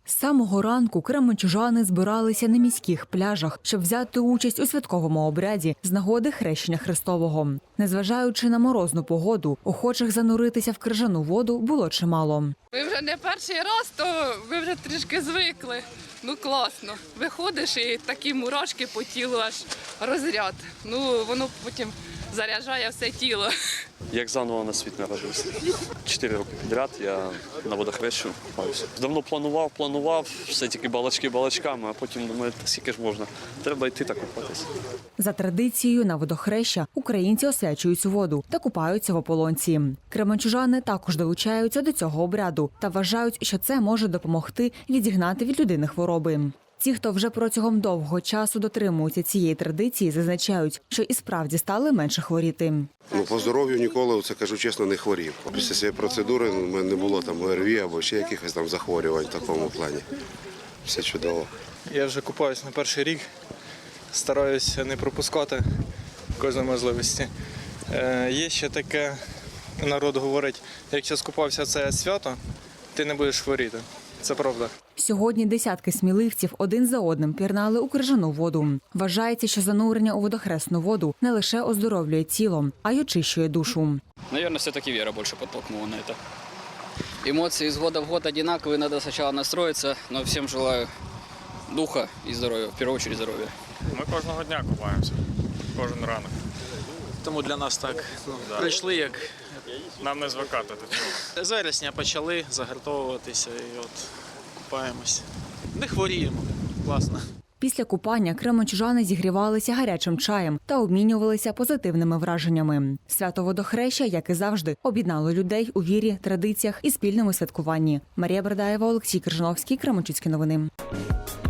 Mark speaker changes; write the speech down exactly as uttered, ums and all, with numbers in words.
Speaker 1: З самого ранку кременчужани збиралися на міських пляжах, щоб взяти участь у святковому обряді з нагоди Хрещення Христового. Незважаючи на морозну погоду, охочих зануритися в крижану воду було чимало.
Speaker 2: Ми вже не перший раз, то ви вже трішки звикли. Ну класно. Виходиш і такі мурашки по тілу аж розряд. Ну воно потім заряджає все тіло.
Speaker 3: Як заново на світ народився. Чотири роки підряд я на водохрещу купаюся. Давно планував, планував, все тільки балачки балачками, а потім думаю, та скільки ж можна, треба йти та купатися.
Speaker 1: За традицією на водохреща українці освячують воду та купаються в ополонці. Кременчужани також долучаються до цього обряду та вважають, що це може допомогти відігнати від людини хвороби. Ті, хто вже протягом довгого часу дотримуються цієї традиції, зазначають, що і справді стали менше хворіти.
Speaker 4: Ну, по здоров'ю ніколи, це кажу чесно, не хворів. Після цієї процедури у мене не було там ОРВІ або ще якихось там захворювань в такому плані. Все чудово.
Speaker 5: Я вже купаюсь на перший рік, стараюся не пропускати кожної можливості. Е, є ще таке, народ говорить, якщо скупався це свято, ти не будеш хворіти. Це правда.
Speaker 1: Сьогодні десятки сміливців один за одним пірнали у крижану воду. Вважається, що занурення у водохресну воду не лише оздоровлює тіло, а й очищує душу.
Speaker 6: Наверное, все-таки вера больше подтолкнула на это. Эмоции из года в год одинаковые, надо сначала настроиться, но всем желаю духа и здоровья, в первую очередь здоровья.
Speaker 7: Ми кожного дня купаємося, кожен ранок.
Speaker 8: Тому для нас так ну, прийшли, як
Speaker 7: Нам не звикати до цього.
Speaker 8: з вересня почали загартовуватися і от купаємось. Не хворіємо, класно.
Speaker 1: Після купання кременчужани зігрівалися гарячим чаєм та обмінювалися позитивними враженнями. Свято водохреща, як і завжди, об'єднало людей у вірі, традиціях і спільному святкуванні. Марія Бердаєва, Олексій Крижановський, Кременчуцькі новини.